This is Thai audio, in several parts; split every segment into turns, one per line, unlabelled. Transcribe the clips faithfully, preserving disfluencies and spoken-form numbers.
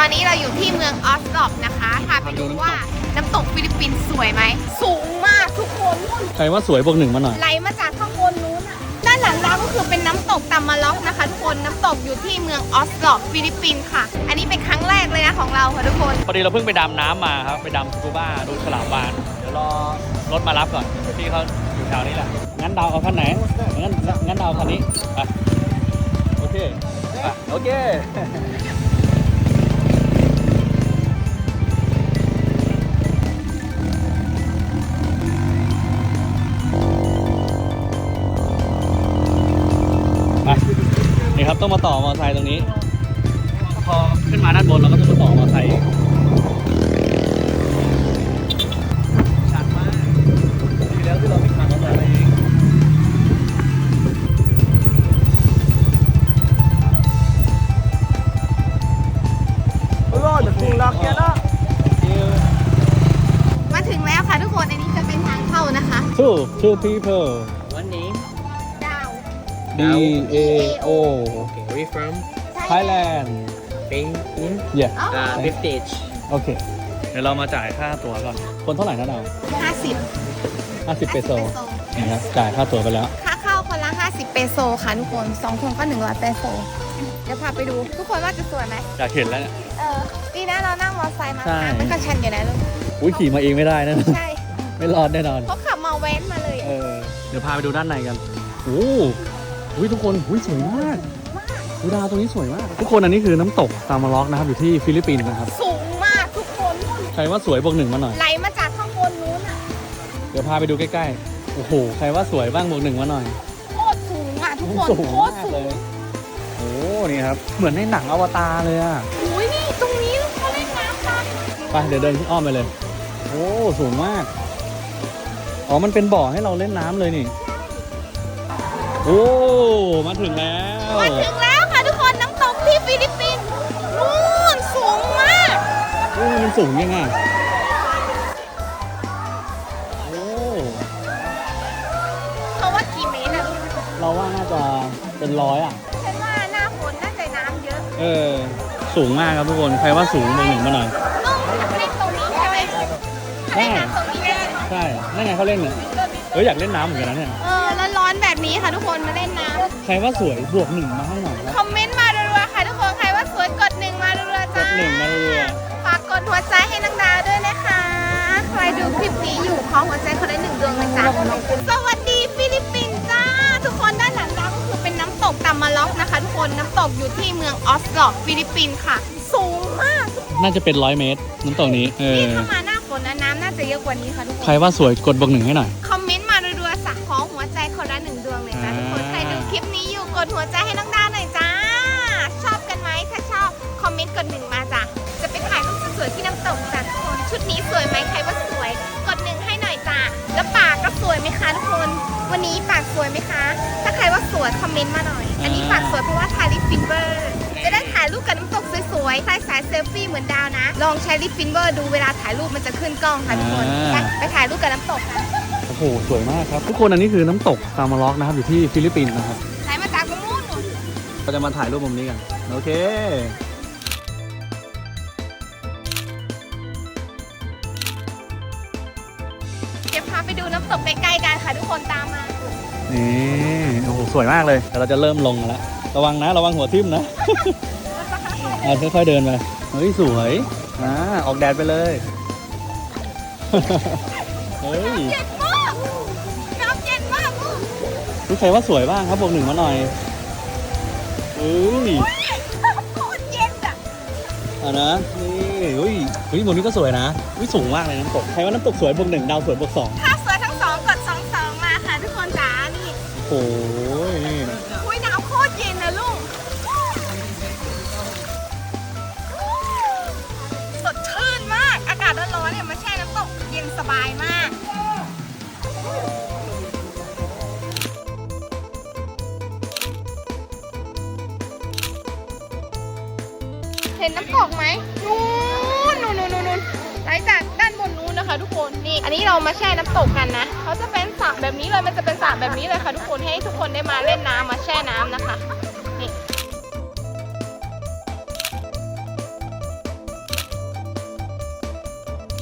อนนี้เราอยู่ที่เมืองออสลอบนะคะพาไปดูว่าน้ำตกฟิลิปปินส์สวยไหมสูงมากทุกคน
ใครว่าสวยบวกหนึ่งมาหน่อย
ไหลมาจากข้างบนนู้นด้านหลังเราก็คือเป็นน้ำตกตามาล็อกนะคะทุกคนน้ำตกอยู่ที่เมืองออสลอบฟิลิปปินส์ค่ะอันนี้เป็นครั้งแรกเลยนะของเราค่ะทุกคน
พอดีเราเพิ่งไปดำน้ำมาครับไปดำสกูบ้าดูฉลามวาฬเดี๋ยวรอรถมารับก่อนพี่เขาอยู่แถวนี้แหละงั้นดาวเอาคันไหนงั้นงั้นดาวคันนี้ไปโอเคโอเคนี่ครับต้องมาต่อมอเตอร์ไซค์ตรงนี้พอขึ้นมาด้านบนเราก็ต้องมาต่อมอเตอร์ไซค์ชันมากดีแล้วที่เราไม่ขับมอเตอร์ไซค์เอง
มาถึงแล้วค่ะทุกคนอันนี้จะเป็นทางเข้านะคะ
two two people
One name
ดาว
D A O
Okay where you from
Thailand
Spain
yeah
uh, Vintage
โอเคเดี๋ยวเรามาจ่ายค่าตั๋วก่อนคนเท่าไหร่นะดาว
ห้าสิบ
ห้าสิบเปโซนะครับจ่ายค่าตั๋วไปแล้ว
ค่าเข้าคนละห้าสิบเปโซค่ะทุกคนสองคนก็หนึ่งร้อยเปโซเดี๋ยวพาไปดูทุกคนว่าจะสวยไหม
อยากเห็นแล้วเนี่ย
เออดีนะเรานั่งมอเตอร์ไซค์มา
ใช่
มันก็ชันอยู่นะลูก
อุ้ยขี่มาเองไม่ได้นะ
ใช่
ไม่รอดแน่นอน
เขาขับมาแว้นมาเลย
เออเดี๋ยวพาไปดูด้านในกันโอ้โหทุกคนอุ้ยสวยมากดูดาวตรงนี้สวยมากทุกคนอันนี้คือน้ำตกตามาล็อกนะครับอยู่ที่ฟิลิปปินส์นะครับ
สูงมากทุกคน
ใครว่าสวยบวกหนึ่งมาหน่อย
ไหลมาจากข้างบนนู้นอ่ะ
เดี๋ยวพาไปดูใกล้ๆโอ้โหใครว่าสวยบ้างบวกหนึ่งมาหน่อย
โคตรสูงอ่ะทุกคน
สูง
โคตร
มาก
สู
เล
ง
ยโอ้นี่ครับเหมือนในหนังอวตารเลยอ่ะ
อุ้ยนี่ตรงนี้เขาเล่นน้ำกัน
ไปเดี๋ยวเดินอ้อมไปเลยโอ้สูงมากอ๋อมันเป็นบ่อให้เราเล่นน้ำเลยนี่โอ้มาถึงแล้ว
มาถึงแล้วค่ะทุกคนน้ำตกที่ฟิลิปปินส์นู่นสูงมาก
โอ้มันสูงยังไงโอ้
เขาว่ากี่เมตรอะลูก
เราว่าน่าจะเป็นร้อยอ่ะ
ฉันว่าหน้าฝนน่าจะน้ำเยอะ
เออสูงมากครับทุกคนใครว่าสูงบวกหนึ่งมาหน่อย
ต้องเล่นตรงนี้ใช่ไหมเล่นน้ำตรงนี้ได้
ใช่นั่นไงเขาเล่นเนี่ยเอออยากเล่นน้ำเหมือนกันนะเนี่ย
เออแล้วร้อนแบบนี้ค่ะทุกคนมาเล่นน้ำ
ใครว่าสวยบวกหนึ่งมาให้หน่อยครับ
คอมเมนต์มารัวๆค่ะทุกคนใครว่าสวยกดหนึ่งมารัวๆจ้าก
ดหนึ่งมารัว
ฝากกดหัวใจให้นังดาวด้วยนะคะใครดูคลิปนี้อยู่ขอหัวใจคนละหนึ่งดวงเลยจ้าสวัสดีฟิลิปปินส์จ้าทุกคนด้านหลังเราก็คือเป็นน้ำตกตามาล็อกนะคะทุกคนน้ำตกอยู่ที่เมืองออสลอบฟิลิปปินส์ค่ะสูงมาก
น่าจะเป็นร้อยเมตรน้ำตกนี้เออ
นี่ถ้ามาหน้าฝนนะน้ำน่าจะเยอะกว่านี้ค่ะทุกคน
ใครว่าสวยกดบวกหนึ่งให้หน่อย
คอมเมนต์มารัวๆสักขอหัวใจคนละหนึ่งดวงเลยจ้าทุกคนใครดูคลิปนี้อยู่กดหัวใจให้น้องดาวหน่อยจ้าชอบกันไหมถ้าชอบคอมเมนต์กดหนึ่งมาจ้ะจะไปถ่ายรูปสวยๆที่น้ำตกจ้ะทุกคนชุดนี้สวยไหมใครว่าสวยกดหนึ่งให้หน่อยจ้าแล้วปากก็สวยไหมคะทุกคนวันนี้ปากสวยไหมคะถ้าใครว่าสวยคอมเมนต์มาหน่อยอันนี้ปากสวยเพราะว่าทาลิปฟินเวอร์จะได้ถ่ายรูปกับน้ำตกสวยๆใส่สายเซลฟี่เหมือนดาวนะลองใช้ลิปฟินเวอร์ดูเวลาถ่ายรูปมันจะขึ้นกล้องค่ะทุกคนไปถ่ายรูปกับน้ำตกกัน
โอ้โหสวยมากครับทุกคนอันนี้คือน้ำตกตามาล็อกนะครับอยู่ที่ฟิลิปปินส์นะครับ
ไหนมาจากมุมนู้น
เราจะมาถ่ายรูปมุมนี้กันโอเค
เดี๋ยวพาไปดูน้ำตกใกล้ๆกันค่ะทุกคนตามมา
นี่โอ้โหสวยมากเลยแต่เราจะเริ่มลงแล้วระวังนะระวังหัวทิ่มนะค่อยๆเดินไปเฮ้ยสวยนะออกแดดไปเลยเฮ้ย
เย็นมากน้ำเย็นมาก
รู้ใครว่าสวยบ้างครับบวกหนึ่งมาหน่อยเฮ้ย
โคตรเย็นอ่ะ
อ่ะนะนี่เฮ้ยเฮ้ยบนนี้ก็สวยนะวิสูงมากเลยน้ำตกใครว่าน้ำตกสวยบวกหนึ่งดาวสวยบวกสอง
ถ้าสวยทั้งสองกดสองสองมาค่ะทุกคนจ๋านี่
โอ้ย
อุ้ยน้ำโคตรเย็นนะลูกสดชื่นมากอากาศร้อนๆเนี่ยมาแช่น้ำตกเย็นสบายมากเห็นน้ำตกไหมนู่นนู่นนู่นนู่นไหลจากด้านบนนู้นนะคะทุกคนนี่อันนี้เรามาแช่น้ำตกกันนะเขาจะเป็นสระแบบนี้เลยมันจะเป็นสระแบบนี้เลยค่ะทุกคนให้ทุกคนได้มาเล่นน้ำมาแช่น้ำนะคะนี่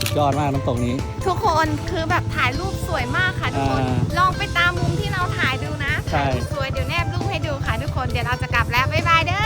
ยอดมากน้ำตกนี้
ทุกคนคือแบบถ่ายรูปสวยมากค่ะทุกคน
อ่า
ลองไปตามมุมที่เราถ่ายดูนะ
ใช่
ถ่ายสวยเดี๋ยวแนบรูปให้ดูค่ะทุกคนเดี๋ยวเราจะกลับแล้วบ๊ายบายเด้อ